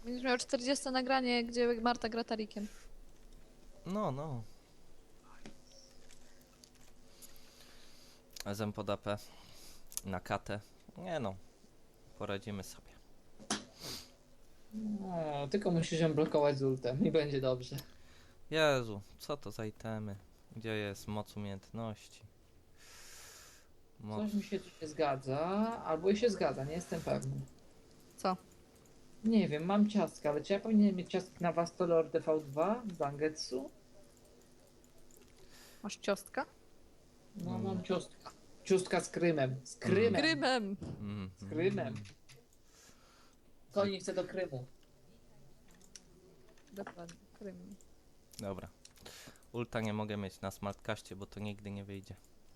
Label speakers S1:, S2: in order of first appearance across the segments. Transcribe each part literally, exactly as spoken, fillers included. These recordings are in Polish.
S1: Będziesz miał czterdzieste nagranie, gdzie Marta gra Tarikiem.
S2: No, no. S M pod A P. Na katę. Nie no. Poradzimy sobie.
S3: No, tylko musisz ją blokować z ultem i będzie dobrze.
S2: Jezu, co to za itemy? Gdzie jest moc umiejętności? Moc...
S3: Coś mi się tu nie zgadza, albo i się zgadza, nie jestem pewny.
S1: Co?
S3: Nie wiem, mam ciastka, ale czy ja powinienem mieć ciastki na Vastolor D V dwa z Bangetsu?
S1: Masz ciostka?
S3: No,
S2: Mm.
S3: mam ciostka. Ciostka z Krymem. Z Krymem.
S1: Krymem!
S2: Mm,
S3: Z Krymem.
S2: mm.
S3: Kto nie chce do Krymu?
S1: Dokładnie, Krym.
S2: Dobra. Ulta nie mogę mieć na smartcaście, bo to nigdy nie wyjdzie.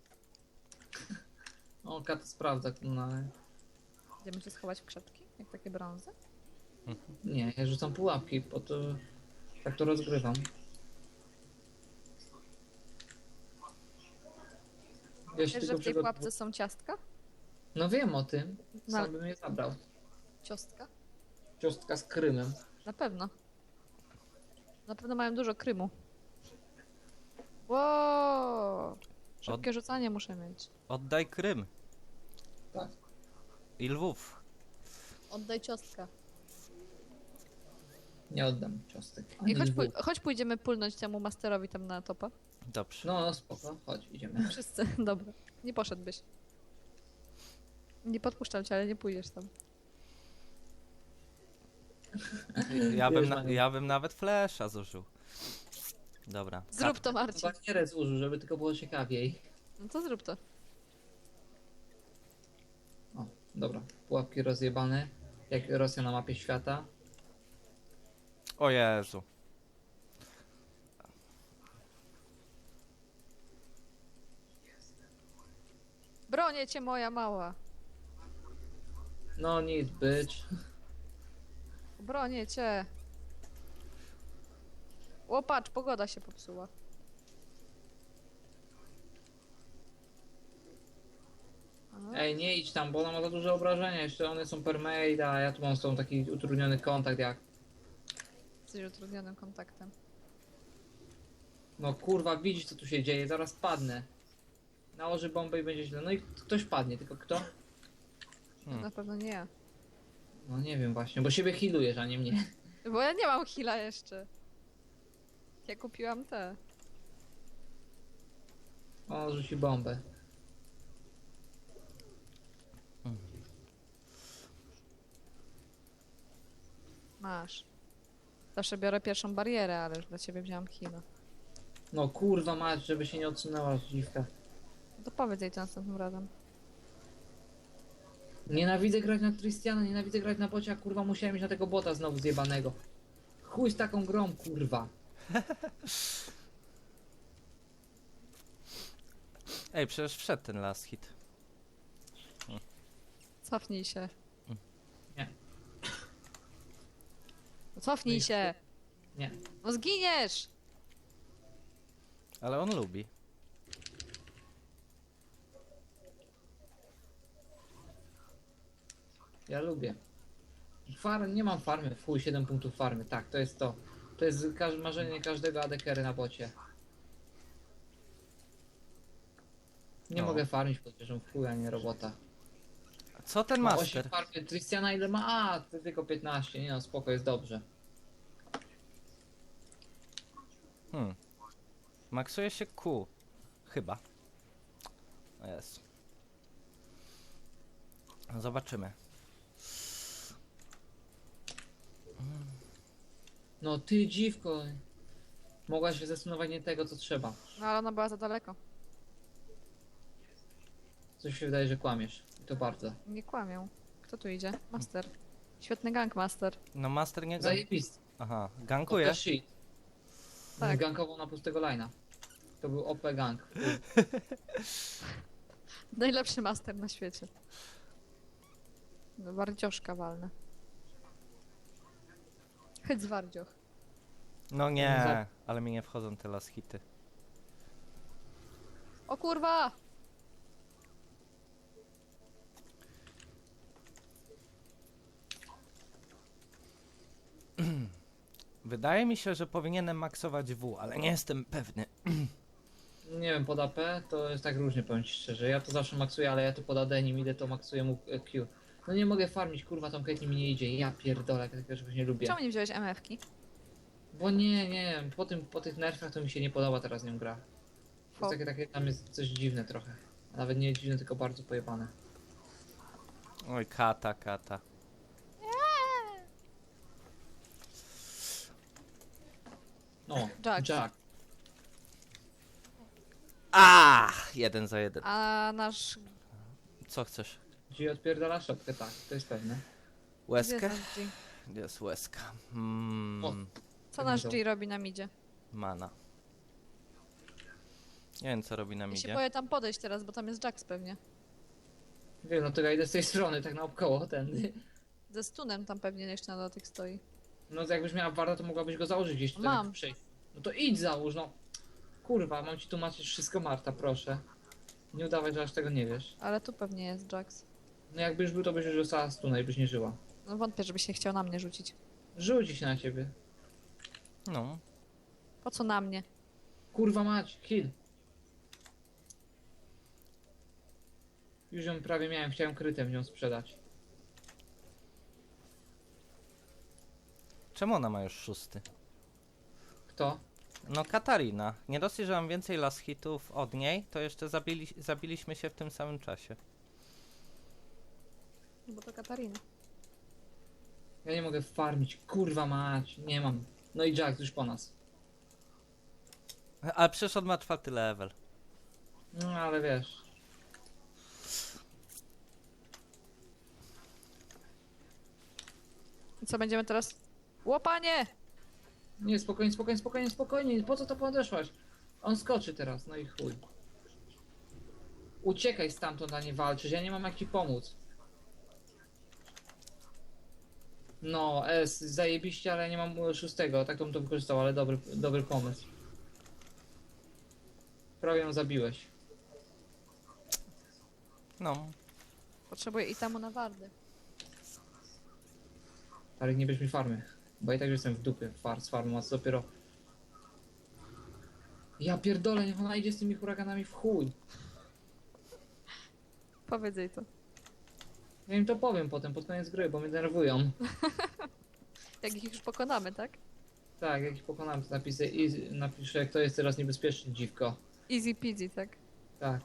S3: O, Kat sprawdza. No,
S1: Będziemy się schować w krzepki, jak takie brązy.
S3: nie, ja rzucam pułapki, po to tak to rozgrywam. Ja się
S1: Wiesz,
S3: tylko
S1: że w tej
S3: przygotuję-
S1: pułapce są ciastka?
S3: No wiem o tym,
S1: No.
S3: sam bym je zabrał.
S1: Ciostka?
S3: Ciostka z Krymem.
S1: Na pewno. Na pewno mają dużo Krymu. Wow! Szybkie rzucanie muszę mieć.
S2: Oddaj Krym
S3: Tak.
S2: i Lwów.
S1: Oddaj ciostka.
S3: Nie oddam ciostek.
S1: I
S3: Ani
S1: chodź,
S3: dwóch.
S1: pój chodź pójdziemy pulnąć temu masterowi tam na topa.
S2: Dobrze.
S3: No, no spoko, chodź, idziemy.
S1: Wszyscy, dobra. Nie poszedłbyś. Nie podpuszczam cię, ale nie pójdziesz tam.
S2: Ja bym,
S3: Wiesz,
S2: na,
S3: Maniu.
S2: ja bym nawet flasha zużył. Dobra.
S1: Zrób to, Marcin.
S3: Barierę zużył, żeby tylko było ciekawiej.
S1: No to zrób to.
S3: O, dobra. Pułapki rozjebane. Jak Rosja na mapie świata.
S2: O Jezu.
S1: Bronię cię, moja mała.
S3: No nic, bitch.
S1: Bronię cię. O, patrz, pogoda się popsuła. Aha.
S3: Ej, nie idź tam, bo ona ma za duże obrażenia. Jeszcze one są permade, a ja tu mam z tą taki utrudniony kontakt jak...
S1: Jesteś utrudnionym kontaktem.
S3: No kurwa, widzisz co tu się dzieje, zaraz padnę. Nałoży bombę i będzie źle. No i ktoś padnie, tylko kto?
S2: Hmm.
S1: Na pewno nie ja.
S3: No nie wiem właśnie, bo siebie healujesz, a nie mnie.
S1: Bo ja nie mam heala jeszcze. Ja kupiłam te.
S3: O, rzuci bombę.
S1: Masz. Zawsze biorę pierwszą barierę, ale już dla ciebie wziąłam heala.
S3: No kurwa mać, żeby się nie odsunęła dziwka.
S1: No to powiedz jej to następnym razem.
S3: Nienawidzę grać na Tristiana, nienawidzę grać na bocie, a kurwa musiałem iść na tego bota znowu zjebanego. Chuj z taką grą, kurwa.
S2: Ej, przecież wszedł ten last hit.
S1: Cofnij się.
S3: Nie.
S1: No cofnij się!
S3: Nie.
S1: No zginiesz!
S2: Ale on lubi.
S3: Ja lubię. Farm, nie mam farmy, fuj, siedem punktów farmy, tak, to jest to. To jest każ marzenie każdego adekery na bocie. Nie
S2: No.
S3: mogę farmić pod wieżą w chuj, a nie robota.
S2: Co ten
S3: Ma osiem
S2: master?
S3: farmy, Tristiana ile ma? A, to tylko piętnaście, nie no, spoko, jest dobrze.
S2: Hmm. Maksuje się Q. Chyba. O Jezu. Zobaczymy.
S3: No ty dziwko. Mogłaś się zastanowić nie tego, co trzeba.
S1: No ale ona była za daleko.
S3: Coś się wydaje, że kłamiesz. I to bardzo.
S1: Nie kłamią. Kto tu idzie? Master. Świetny gang, Master.
S2: No master nie...
S3: Zajebisty.
S2: Aha,
S3: To
S2: gankuje.
S3: shit.
S1: Tak.
S3: Gankował na pustego line'a. To był O P gang.
S1: Najlepszy Master na świecie. No, wardzioszka walne. Chodź z wardzioch.
S2: No nie, ale mi nie wchodzą te last hity.
S1: O kurwa!
S2: Wydaje mi się, że powinienem maksować W, ale nie jestem pewny.
S3: Nie wiem, pod A P to jest tak różnie, powiem ci szczerze. Ja to zawsze maksuję, ale ja to pod A D nim idę, to maksuję mu e, Q. No nie mogę farmić, kurwa, tą Caitlyn mi nie idzie. Ja pierdolę, jak takiego czegoś nie lubię.
S1: Czemu nie wziąłeś M F-ki?
S3: Bo nie, nie, po, tym, po tych nerfach to mi się nie podoba teraz nią gra. To
S1: Fo.
S3: jest takie, takie, tam jest coś dziwne trochę. A nawet nie dziwne, tylko bardzo pojebane.
S2: Oj, kata, kata.
S3: No,
S1: Jack.
S3: Jack.
S2: A, jeden za jeden.
S1: A nasz...
S2: Co chcesz?
S3: Ci odpierdala szopkę, tak, to jest pewne.
S2: Łezkę?
S1: Gdzie jest nasz G?
S2: Gdzie jest łezka? Mm,
S1: Co nasz G robi na midzie?
S2: mana. Nie wiem, co robi na
S1: Ja się
S2: midzie.
S1: boję tam podejść teraz, bo tam jest Jax pewnie.
S3: Wiem, no to ja idę z tej strony, tak naokoło, tędy.
S1: Ze stunem tam pewnie jeszcze na dotyk stoi.
S3: No to jakbyś miała warta, to mogłabyś go założyć gdzieś tutaj
S1: Mam.
S3: na przejść. No to idź załóż, no. Kurwa, mam ci tłumaczyć wszystko, Marta, proszę. Nie udawać, że aż tego nie wiesz.
S1: Ale tu pewnie jest Jax.
S3: No jakby już był, to byś już została stuna i byś nie żyła.
S1: No wątpię, żeby się chciał na mnie rzucić.
S3: Rzuci się na ciebie.
S2: No.
S1: Po co na mnie?
S3: Kurwa mać, kill. Już ją prawie miałem, chciałem krytem ją sprzedać.
S2: Czemu ona ma już szósty?
S3: Kto?
S2: No Katarina. Nie dosyć, że mam więcej last hitów od niej, to jeszcze zabili, zabiliśmy się w tym samym czasie.
S1: No bo to Katarina.
S3: Ja nie mogę farmić, kurwa mać, nie mam. No i Jack już po nas.
S2: Ale przecież on ma czwarty level.
S3: No ale wiesz.
S1: I co będziemy teraz? Łopanie!
S3: Nie, spokojnie, spokojnie, spokojnie, spokojnie. Po co to podeszłaś? On skoczy teraz, no i chuj. Uciekaj stamtąd, a nie walczysz. Ja nie mam jak ci pomóc. No, S, zajebiście, ale nie mam e, szóstego. Tak to bym to wykorzystał, ale dobry, dobry pomysł. Prawie ją zabiłeś.
S2: No.
S1: Potrzebuję itamu na wardy.
S3: Ale nie bierz mi farmy. Bo i tak już jestem w dupie far, z farmą, a co dopiero... Ja pierdolę, niech ona idzie z tymi huraganami w chuj.
S1: Powiedz jej to.
S3: Ja im to powiem potem, pod koniec gry, bo mnie denerwują.
S1: Jak ich już pokonamy, tak?
S3: Tak, jak ich pokonam, to napiszę, i napiszę, kto jest teraz niebezpieczny, dziwko.
S1: Easy peasy, tak?
S3: Tak.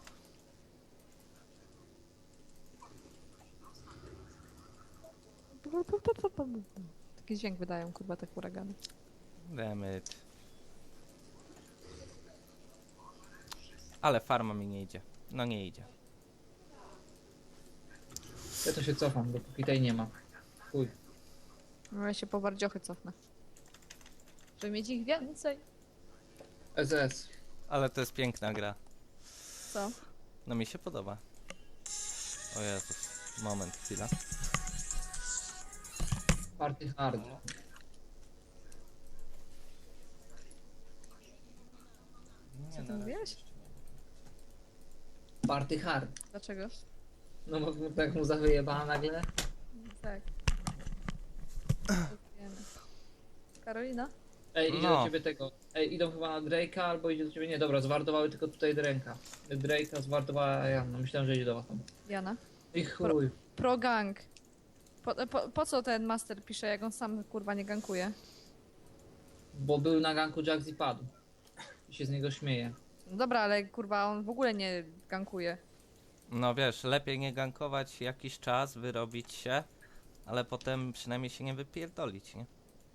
S1: Taki dźwięk wydają, kurwa, te huragany.
S2: Dammit. Ale farma mi nie idzie. No nie idzie.
S3: Ja to się cofam, dopóki tej nie ma. Chuj.
S1: No ja się po wardziochy cofnę. Żeby mieć ich więcej.
S3: S S.
S2: Ale to jest piękna gra.
S1: Co?
S2: No mi się podoba. O Jezus. Moment, chwila.
S3: Party hard.
S1: Co ty mówiłeś?
S3: Party hard.
S1: Dlaczego?
S3: No bo mu- tak mu zawyjebała nagle.
S1: Tak. Wiemy. Karolina?
S3: Ej, idzie
S2: No.
S3: do ciebie tego. Ej, idą chyba na Drake'a albo idzie do ciebie. Nie, dobra, zwartowały tylko tutaj Drake'a. Drake'a zwartowała Janna. Myślałem, że idzie do was tam.
S1: Jana?
S3: I chuj.
S1: Pro gang. Po, po, po co ten master pisze, jak on sam kurwa nie gankuje?
S3: Bo był na ganku Jax i padł. I się z niego śmieje.
S1: No dobra, ale kurwa on w ogóle nie gankuje.
S2: No wiesz, lepiej nie gankować jakiś czas, wyrobić się, ale potem przynajmniej się nie wypierdolić, nie?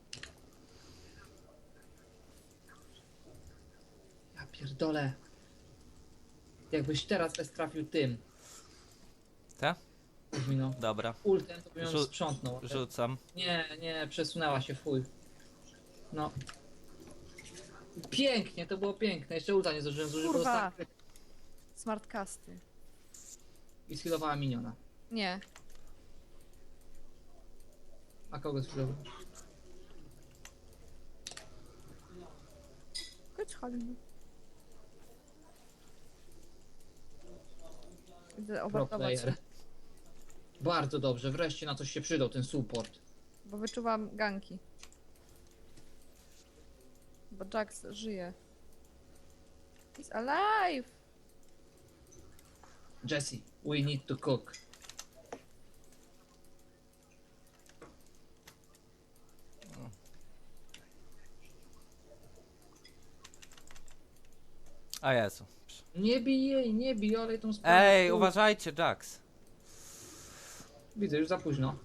S3: Ja pierdolę. Jakbyś teraz S trafił tym.
S2: Tak?
S3: Kuzmino.
S2: Dobra.
S3: Ultem to bym ją
S2: Rzu-
S3: sprzątnął.
S2: Rzucam.
S3: Nie, nie, przesunęła się, fuj. No. Pięknie, to było piękne. Jeszcze ulta nie zdążyłem zużyć, bo
S1: Kurwa.
S3: dostałem kryt
S1: Smartcasty.
S3: i skillowała miniona.
S1: Nie.
S3: A kogo skillował?
S1: Chodź Halina. Idę
S3: Pro
S1: obartować się,
S3: player. Bardzo dobrze, wreszcie na coś się przydał ten support.
S1: bo wyczuwam ganki. Bo Jax żyje. He's alive!
S3: Jesse, we need to cook.
S2: A Jezu.
S3: Nie bij jej, nie bij, olej tą sprawę.
S2: Ej,
S3: Tu.
S2: uważajcie, Jax.
S3: Widzę, już za późno.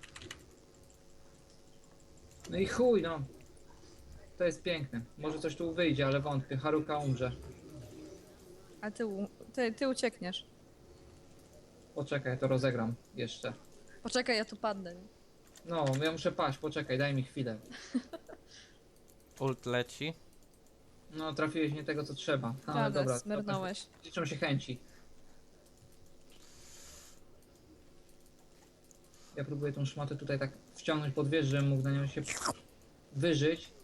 S3: No i chuj, no. To jest piękne. Może coś tu wyjdzie, ale wątpię. Haruka umrze.
S1: A ty, u- ty, ty uciekniesz.
S3: Poczekaj, to rozegram jeszcze.
S1: Poczekaj, ja tu padnę. nie?
S3: No, ja muszę paść, poczekaj, daj mi chwilę.
S2: Ult leci.
S3: No, trafiłeś nie tego, co trzeba. Ale
S1: Radę,
S3: dobra.
S1: smyrnąłeś.
S3: Liczą się chęci. Ja próbuję tą szmatę tutaj tak wciągnąć pod wieżę, żebym mógł na nią się wyżyć.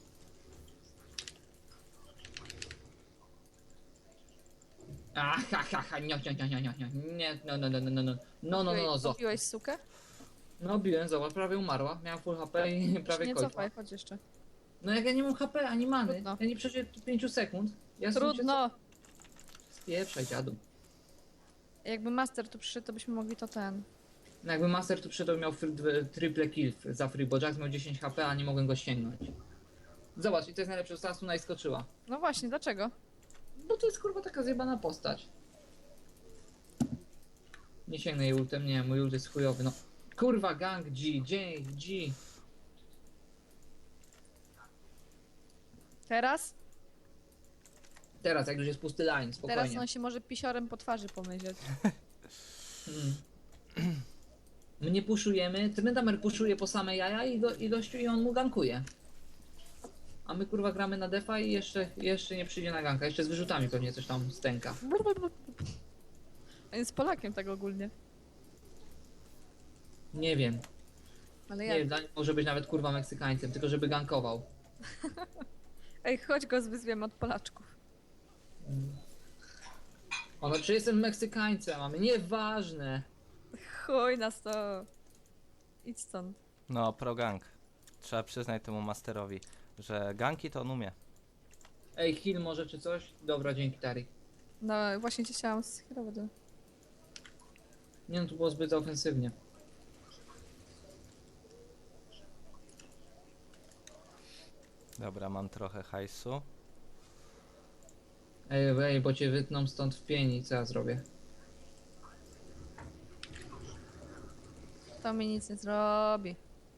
S3: Ah, ha, ha, ha, nie, nie, nie, nie, nie, nie, nie, no, no, no, no, no, no, no, no, no, no, zo.
S1: Kupiłeś sukę?
S3: No, biłem, zobacz, prawie umarła, miałem full H P i prawie
S1: Nie
S3: kończyła.
S1: cofaj, chodź jeszcze.
S3: No jak ja nie mam H P ani many,
S1: Trudno.
S3: ja nie przeżyję pięciu sekund. Ja sobie
S1: Trudno!
S3: Spieprzaj, dziadu.
S1: Jakby master tu przyszedł, to byśmy mogli to ten.
S3: No jakby Master tu przyszedł, miał fr- dwie- triple kill za free, bo Jax miał dziesięć H P, a nie mogłem go sięgnąć. Zobacz, i to jest najlepsze, że Sasuna i skoczyła.
S1: No właśnie, dlaczego?
S3: Bo to jest kurwa taka zjebana postać. Nie sięgnę jej ultem, nie, mój ult jest chujowy, no. Kurwa, gang G, G, G.
S1: Teraz?
S3: Teraz, jak już jest pusty line,
S1: Teraz
S3: spokojnie.
S1: on się może pisiorem po twarzy pomyśleć.
S3: Mm. My nie puszujemy, Tryndamer puszuje po same jaja i, go, i gościu i on mu gankuje. A my kurwa gramy na defa i jeszcze, jeszcze nie przyjdzie na ganka, jeszcze z wyrzutami pewnie coś tam stęka.
S1: On jest Polakiem tak ogólnie.
S3: Nie wiem,
S1: Ale
S3: nie
S1: ja.
S3: wiem, dla nich może być nawet kurwa Meksykańcem, tylko żeby gankował.
S1: Ej, chodź go zwyzwiemy od Polaczków.
S3: Ono, czy jestem Meksykańcem, a my nieważne.
S1: Chuj nas to. Idź stąd.
S2: No, pro gang. Trzeba przyznać temu masterowi, że ganki to on umie.
S3: Ej, heal może czy coś? Dobra, dzięki Tari.
S1: No właśnie cię chciałam skierować. do-
S3: Nie no, tu było zbyt ofensywnie.
S2: Dobra, mam trochę hajsu.
S3: Ej, ej, bo cię wytną stąd w pieni, co ja zrobię?
S1: To mi nic nie zrobi.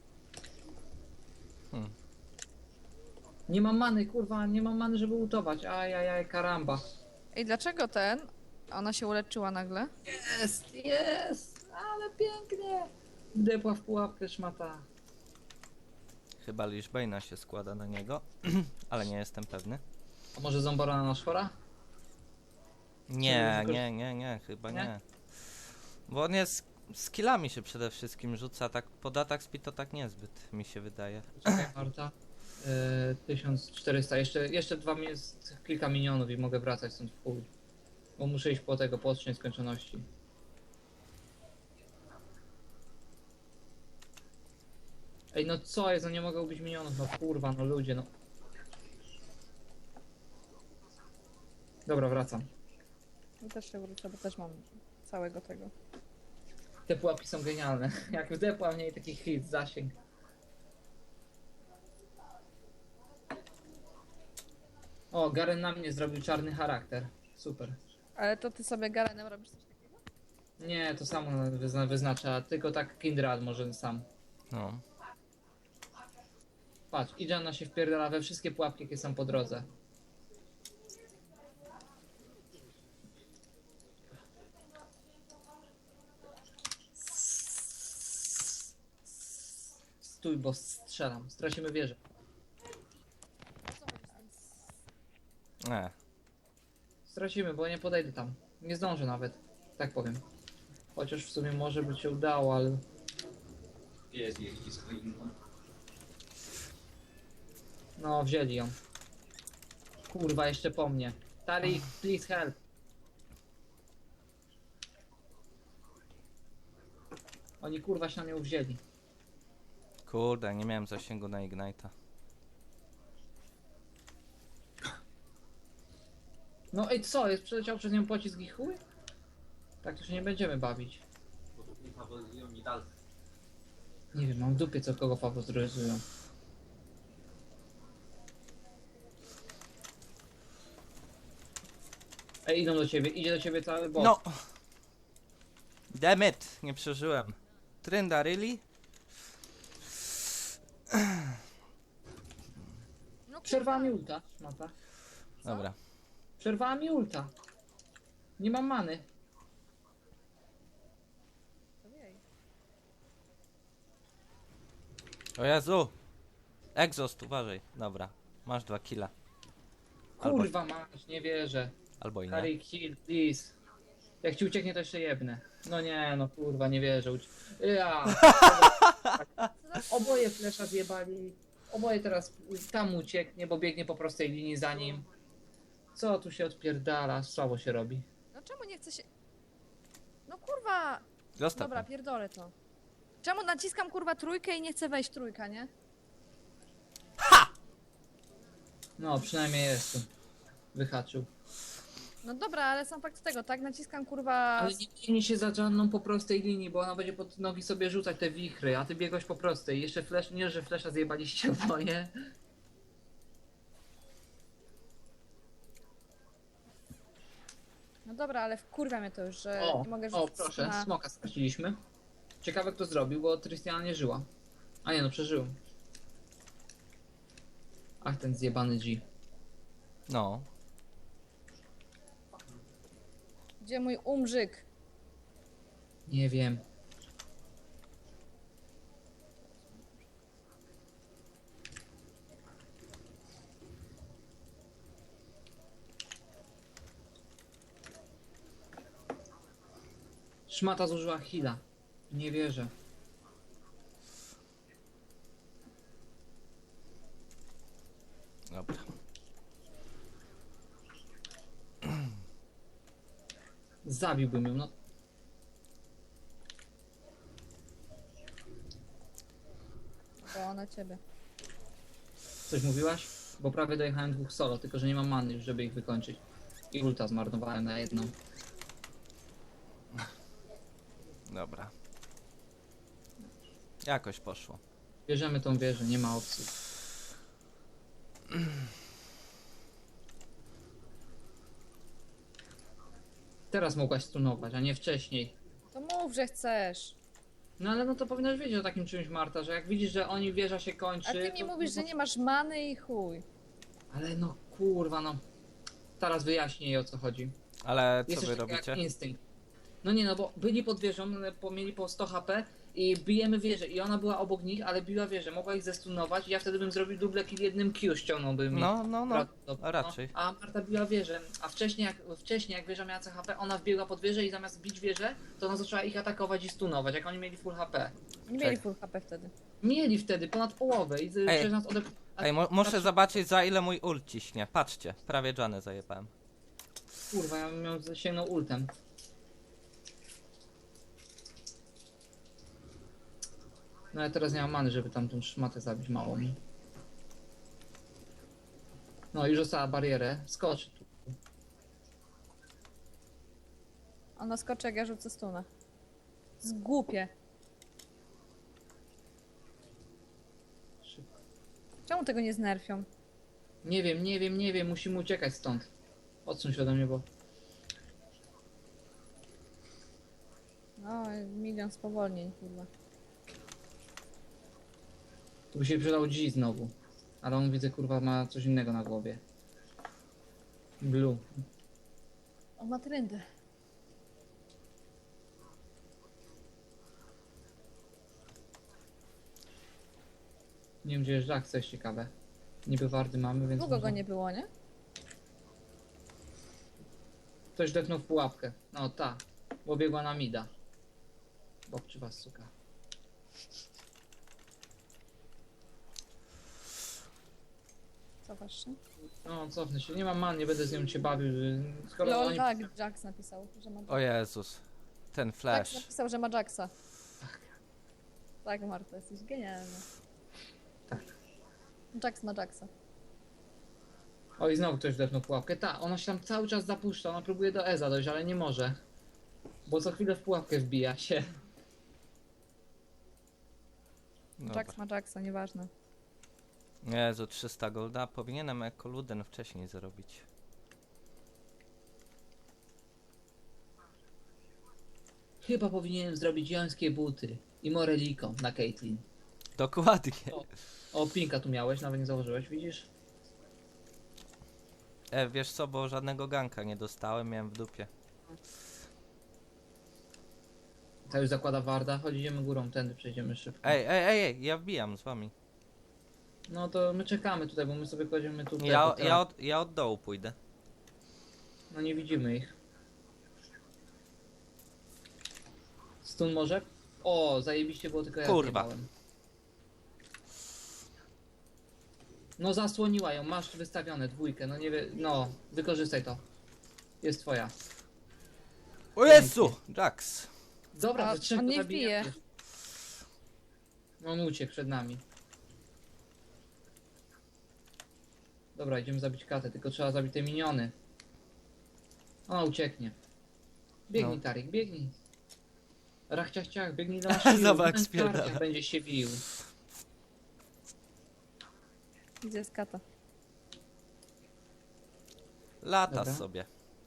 S2: Hmm.
S3: Nie mam many, kurwa, nie mam many, żeby ultować. Ajajaj, karamba.
S1: Ej, dlaczego ten? Ona się uleczyła nagle.
S3: Jest, jest, ale pięknie. Wdepła w pułapkę szmata.
S2: Chyba Lichbane'a się składa na niego, ale nie jestem pewny.
S3: A może Zombora na nasz chora?
S2: Nie,
S3: Czy-
S2: nie, nie, nie, chyba
S3: Nie?
S2: nie. Bo on jest, skillami się przede wszystkim rzuca, tak pod atak speed to tak niezbyt, mi się wydaje.
S3: Czekaj, Marta. E, tysiąc czterysta, jeszcze, jeszcze dwa mi jest kilka minionów i mogę wracać stąd w chuj. Bo muszę iść po tego, po odcień skończoności. Ej, no co jest, no nie mogę ubić minionów, no kurwa, no ludzie, no. Dobra, wracam.
S1: Ja też się wrócę, bo też mam całego tego.
S3: Te pułapki są genialne. Jak wdepła w niej taki hit, zasięg. O, Garen na mnie zrobił czarny charakter. Super.
S1: Ale to ty sobie Garenem robisz coś takiego?
S3: Nie, to samo wyzna wyznacza, tylko tak Kindred może sam.
S2: No.
S3: Patrz, Idżana się wpierdala we wszystkie pułapki, jakie są po drodze. Stój, bo strzelam. Stracimy wieżę.
S2: Nie.
S3: Stracimy, bo nie podejdę tam. Nie zdążę nawet. Tak powiem. Chociaż w sumie może by się udało, ale... No, wzięli ją. Kurwa, jeszcze po mnie. Tari, please help. Oni kurwa się na mnie uwzięli.
S2: Kurde, nie miałem zasięgu na Ignite'a.
S3: No i co, jest przeleciał przez nią pocisk i chuj? Tak to się nie będziemy bawić.
S4: Bo tu nie faworyzują ni dalej.
S3: Nie wiem, mam w dupie co kogo faworyzują. Ej, idą do ciebie, idzie do ciebie cały bot.
S2: No! Damn it! Nie przeżyłem. Trynda, really?
S1: No
S3: Przerwała
S1: kurwa.
S3: mi ulta, szmata.
S1: Co?
S2: Dobra.
S3: Przerwała mi ulta. Nie mam many.
S1: Ojej.
S2: O Jezu! Exhaust, uważaj. Dobra. Masz dwa killa. Albo,
S3: Kurwa masz, nie wierzę.
S2: albo i nie.
S3: Harry kill, please. Jak ci ucieknie to jeszcze jebnę. No nie, no kurwa, nie wierzę. Uci- Ja. Oboje flesza zjebali. Oboje teraz tam ucieknie, bo biegnie po prostej linii za nim. Co tu się odpierdala? Słabo się robi.
S1: No czemu nie chce się... No kurwa!
S2: Zostaw
S1: Dobra,
S2: mnie.
S1: pierdolę to. Czemu naciskam kurwa trójkę i nie chcę wejść trójka, nie?
S3: No, przynajmniej jestem. Wyhaczył.
S1: No dobra, ale sam fakt tego, tak? Naciskam kurwa...
S3: Ale nie biegnij się za żadną po prostej linii, bo ona będzie pod nogi sobie rzucać te wichry, a ty biegłeś po prostej. Jeszcze flash, nie, że flesza zjebaliście oboje.
S1: No dobra, ale wkurwia mnie to już, że
S3: O,
S1: nie mogę
S3: o
S1: rzucić
S3: proszę,
S1: na...
S3: smoka straciliśmy. Ciekawe kto zrobił, bo Trystiana nie żyła. A nie no, przeżył. Ach, ten zjebany G.
S2: No.
S1: Gdzie mój umrzyk?
S3: Nie wiem. Szmata zużyła heala. Nie wierzę.
S2: Dobra.
S3: Zabiłbym ją, no.
S1: To ona ciebie.
S3: Coś mówiłaś? Bo prawie dojechałem dwóch solo, tylko że nie mam many już, żeby ich wykończyć. I ulta zmarnowałem na jedną.
S2: Dobra. Jakoś poszło.
S3: Bierzemy tą wieżę, nie ma opcji. Teraz mogłaś stunować, a nie wcześniej.
S1: To mów, że chcesz.
S3: No ale no to powinnaś wiedzieć o takim czymś, Marta, że jak widzisz, że oni wieża się kończy...
S1: A ty mi
S3: to-
S1: mówisz, że nie masz many i chuj.
S3: Ale no kurwa, no. Teraz wyjaśnię jej o co chodzi.
S2: Ale co
S3: Jest
S2: wy
S3: coś takiego
S2: robicie?
S3: jak instynkt. No nie no, bo byli pod wieżą, no, po- mieli po sto H P i bijemy wieżę i ona była obok nich, ale biła wieżę, mogła ich zestunować i ja wtedy bym zrobił double kill jednym Q, ściągnąłbym ich.
S2: No, no, no.
S3: Prawdopodobnie,
S2: A raczej.
S3: No. A Marta biła wieżę, a wcześniej jak, wcześniej jak wieża miała C H P, ona wbiegła pod wieżę i zamiast bić wieżę, to ona zaczęła ich atakować i stunować, jak oni mieli full H P.
S1: Nie mieli full H P wtedy.
S3: Mieli wtedy ponad połowę i z-
S2: Ej.
S3: przez nas odep... a-
S2: Ej, mo muszę
S3: patrz-
S2: zobaczyć za ile mój ult ciśnie. Patrzcie, prawie Janę zajebałem.
S3: Kurwa, ja bym ją sięgnął ultem. No ja teraz nie mam many, żeby tam tą szmatę zabić małą. No już została barierę, skocz tu.
S1: Ona skoczy, jak ja rzucę stunę. Zgłupie.
S3: Szybko.
S1: Czemu tego nie znerfią?
S3: Nie wiem, nie wiem, nie wiem, musimy uciekać stąd. Odsuń się ode mnie, bo...
S1: No, milion spowolnień chyba.
S3: Tu by się przydał G znowu. Ale on widzę, kurwa, ma coś innego na głowie. Blue.
S1: On ma trendy.
S3: Nie wiem, gdzie jest Jack, co jest ciekawe. Niby wardy mamy, więc...
S1: Długo go
S3: można-
S1: nie było, nie?
S3: Ktoś depnął w pułapkę. No ta. Bo biegła na mida. Bobczy was, suka.
S1: Cofasz się?
S3: No, cofnę się. Nie mam man, nie będę z nią się bawił. że- Skoro
S1: Lol,
S3: oni...
S1: tak, Jax napisał, że ma
S2: O Jezus. Ten
S1: Jax
S2: flash.
S1: napisał, że ma Jaxa. Tak, Marta, jesteś genialna.
S3: Tak.
S1: Jax ma Jaxa.
S3: Oj, znowu ktoś wdepnął pułapkę. Ta, ona się tam cały czas zapuszcza, ona próbuje do Eza dojść, ale nie może. Bo co chwilę w pułapkę wbija się.
S2: Dobra.
S1: Jax ma Jacksa, nieważne.
S2: Jezu, trzysta golda. Powinienem jako Luden wcześniej zrobić.
S3: Chyba powinienem zrobić jońskie buty i moreliko na Caitlyn.
S2: Dokładnie.
S3: O. O, pinka tu miałeś, nawet nie założyłeś, widzisz?
S2: E, wiesz co, bo żadnego ganka nie dostałem, miałem w dupie.
S3: Ta już zakłada warda, chodź idziemy górą, tędy przejdziemy szybko.
S2: Ej, ej, ej, ej, ja wbijam z wami.
S3: No to my czekamy tutaj, bo my sobie kładziemy tutaj.
S2: Ja,
S3: bo teraz-
S2: ja, od, ja od dołu pójdę.
S3: No nie widzimy ich. Stun może? O, zajebiście było, tylko ja
S2: Kurwa.
S3: zjebałem. No zasłoniła ją, masz wystawione dwójkę, no nie wie, no, wykorzystaj to. Jest twoja.
S2: O Jezu! Jax!
S3: Dobra,
S1: A,
S3: że trzech
S1: on
S3: to
S1: nie
S3: zabijemy.
S1: wbije.
S3: On uciekł przed nami. Dobra, idziemy zabić katę, tylko trzeba zabić te miniony. Ona ucieknie. Biegnij,
S2: No.
S3: Tarik, biegnij. Rachciach ciach, biegnij do naszego.
S2: Zobacz, jak spierdala.
S3: Będzie się wił.
S1: Gdzie jest kata?
S2: Lata
S3: Dobra.
S2: sobie.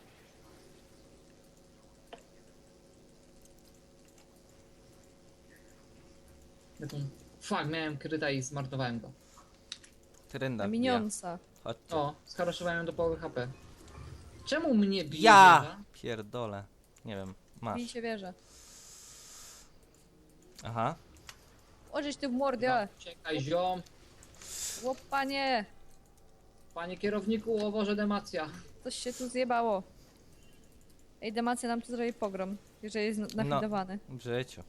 S3: Taką... Fuck, miałem kryta i zmarnowałem go.
S2: Trynda
S1: Na
S2: wbija.
S1: minionsa.
S2: Chodźcie.
S3: O, skaraszowałem ją do połowy H P. Czemu mnie bije?
S2: Ja!
S3: wieża?
S2: Pierdolę. Nie wiem, masz.
S1: Bij się wierzę.
S2: Aha.
S1: Ożyć ty w mordę!
S3: Czekaj, ziom.
S1: Łopanie!
S3: Panie kierowniku, o Boże, demacja.
S1: Coś się tu zjebało. Ej, Demacja nam tu zrobi pogrom, jeżeli jest
S2: No.
S1: nafidowany.
S2: W życiu.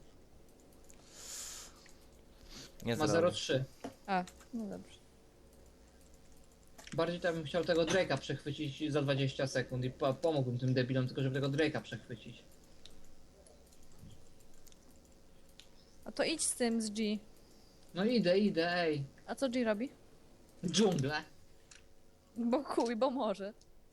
S2: Nie
S3: Ma
S2: zrobię.
S3: zero trzy.
S1: A, no dobrze.
S3: Bardziej to bym chciał tego Drake'a przechwycić za dwadzieścia sekund i po pomógłbym tym debilom, tylko żeby tego Drake'a przechwycić.
S1: A to idź z tym, z G.
S3: No idę, idę, ej.
S1: A co G robi?
S3: Dżunglę.
S1: Bo chuj, bo może.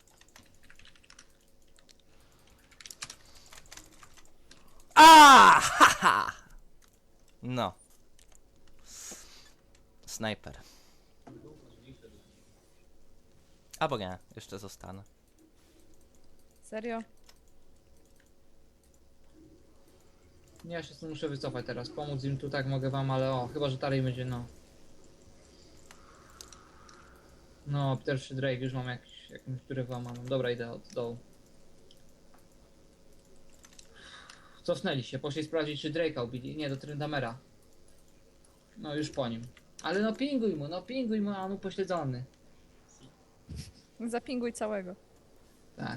S2: A! Haha! No. Snajper. Albo nie, jeszcze zostanę.
S1: Serio?
S3: Nie, ja się stąd muszę wycofać teraz. Pomóc im tu tak mogę wam, ale o, chyba że Tarej będzie, no. No, pierwszy Drake już mam jakiś, jakąś którę włamaną. Dobra, idę od dołu. Cofnęli się, poszli sprawdzić, czy Drake'a ubili. Nie, do Tryndamera. No, już po nim. Ale no pinguj mu, no pinguj mu, a on upośledzony.
S1: Zapinguj całego.
S3: Tak.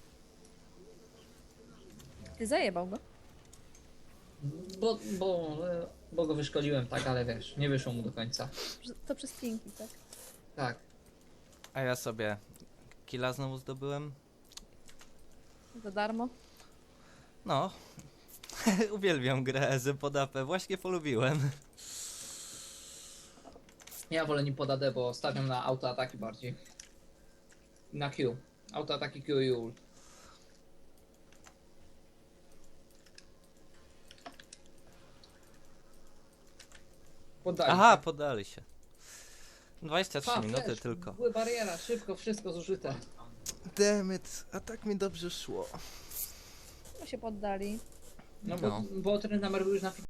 S1: Ty zajebał go?
S3: Bo, bo, bo go wyszkoliłem, tak, ale wiesz, nie wyszło mu do końca.
S1: To przez pinki, tak?
S3: Tak.
S2: A ja sobie killa znowu zdobyłem.
S1: Za darmo?
S2: No. Uwielbiam grę Ezy pod A P. Właśnie polubiłem.
S3: Ja wolę nim podadę, bo stawiam na autoataki bardziej. Na Q. Autoataki Q i ult. Poddali
S2: Aha,
S3: się.
S2: poddali się. dwadzieścia trzy
S3: Pa,
S2: minuty
S3: flash,
S2: tylko.
S3: były bariera, szybko, wszystko zużyte.
S2: Dammit, a tak mi dobrze szło.
S1: No się poddali.
S3: No bo,
S2: No.
S3: bo ten numer był już na